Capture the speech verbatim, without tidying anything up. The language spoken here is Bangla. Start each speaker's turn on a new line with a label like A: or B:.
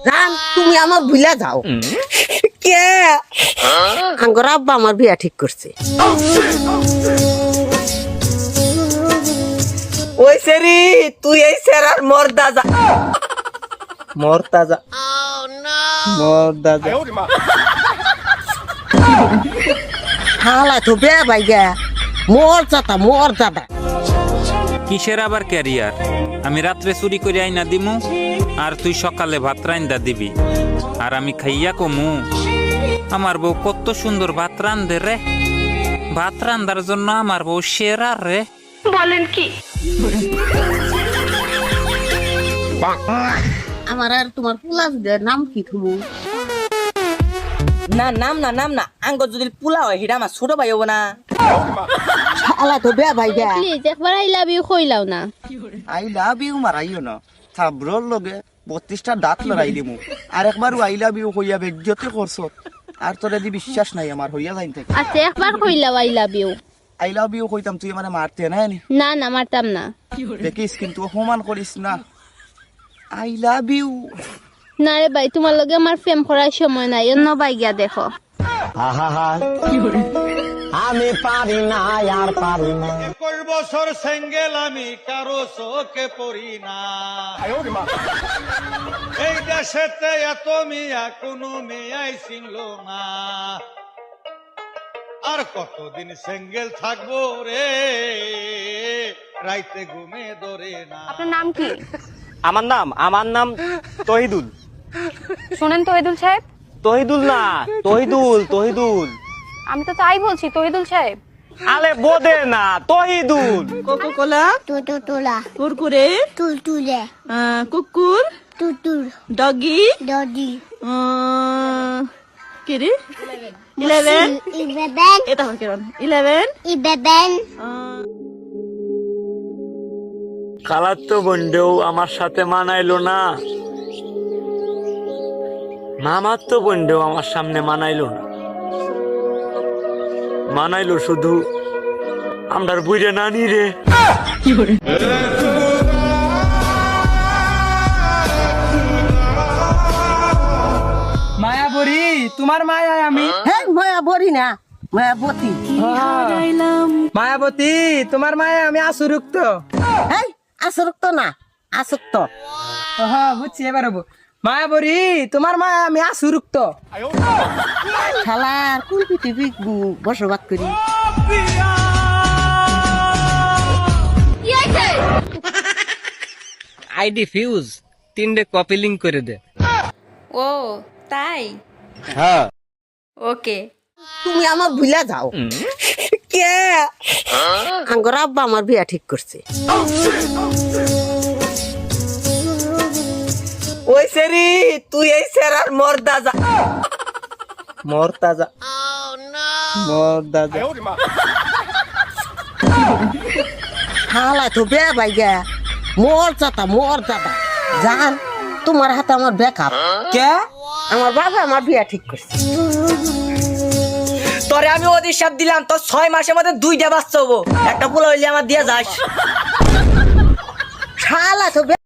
A: জান তুমি আমার ভুলা যাও কে আঙ্গর আব্বা আমার বিয়া ঠিক করছে।
B: ওই সেরি তুই এই সেরার মর্দা যা মর্দা যা মর্দা যা
A: হালা তো বে ভাই গে মোর জাতা মোর জাতা
C: কিসের আবার ক্যারিয়ার? আমি রাত্রে চুরি করে আইনা দিমু আর তুই সকালে ভাত রান্দা দিবি আর আমি খাইয়া কমু। আমার বউ কত সুন্দর ভাত রান্ধে রে, ভাত রান্দার জন্য আমার বউ সেরা রে।
D: বলেন কি?
A: আমার আর তোমার পুলাস দে নাম কি তুমি?
B: না নাম না নাম না আঙ্গ যদি পোলা হয় হিডা আমার ছোট ভাই হবো না।
A: হালা তো বে ভাই গে
D: প্লিজ একবার আই লাভ ইউ কইলাও না।
E: আই লাভ ইউ মারাইও না, থাবরর লগে বত্রিশটা দাঁত লড়াই দিমু আর একবার আই লাভ ইউ হইয়া বেজ্জতি করছ আর তোর যদি বিশ্বাস নাই আমার হইয়া যাইন থেকে।
D: আচ্ছা একবার কইলাও I love you.
E: I love you কইতাম তুই মানে মারতে না নি
D: না না মারতাম না।
E: দেখিস কিন্তু অপমান করিস না। I love you.
D: না রে ভাই তোমার লগে আমার প্রেম করার সময় নাই, অন্য ভাই গিয়া দেখো।
F: আমি পারি না আর পারি না।
G: একুশ বছর সিঙ্গেল আমি কারো চোখে পড়ি না। এই দেশেতে এত মিয়া কোনো মেয়াই চিনল না। আর কতদিন সিঙ্গেল থাকবো রে, রাইতে ঘুমে ধরে না।
H: আপনার নাম কি?
F: আমার নাম আমার নাম তহিদুল।
H: শোনেন তহিদুল সাহেব,
F: তহিদুল না তহিদুল তহিদুল।
H: আমি তো তাই বলছি তহিদুল সাহেব।
F: আলে বোদে না তহিদুল।
B: কোকো কোলা
I: টুটুটুলা
B: কুরকুরে
I: টুলটুলে
B: কুকুর
I: টুটুর
B: ডগি
I: ডডি
B: কিরে ইলেভেন
I: ইবেবেন
B: এটা হয় কিরণ ইলেভেন
I: ইবেবেন
J: কালার তো বন্ডেও আমার সাথে মানাইলো না, মামার তো বন্ডেও আমার সামনে মানাইলো না, মানাইলো শুধু আমরার বুঝে নানি রে।
B: মায়াবরী তোমার মায়া আমি।
A: হ্যাঁ মায়া বরি না মায়াবতী।
B: মায়াবতী তোমার মায়া আমি আসুরুক্ত।
A: হ্যাঁ আসক্ত না আসক্ত।
B: হ্যাঁ বুঝছি এবার হবো। মায়াবরী তোমার মায়া আমি আসুরুক্ত।
A: শালার কোন পৃথিবী বসবাস করি।
B: আইডি ফিউজ তিনটে কপি লিঙ্ক করে দে।
H: ও তাই?
E: হ্যাঁ
H: ওকে।
A: তুমি আমার ভুলা যাও কে আঙ্গর আব্বা আমার বিয়া ঠিক করছে।
B: ওই সেরি তুই এই সেরার মর্দা যা মর্দা যা মর্দা যা।
A: হালা তো বে ভাই গে মোর জাতা মোর জাতা জান তোমার হাতে আমার বেকআপ
B: কে
A: আমার বাবা আমার বিয়া ঠিক করছে।
B: তোরে আমি অধিশাপ দিলাম তোর ছয় মাসের মধ্যে দুইটা বাচ্চা হবো, একটা পোলা হইলে আমার দিয়ে যাস।
A: শালা তো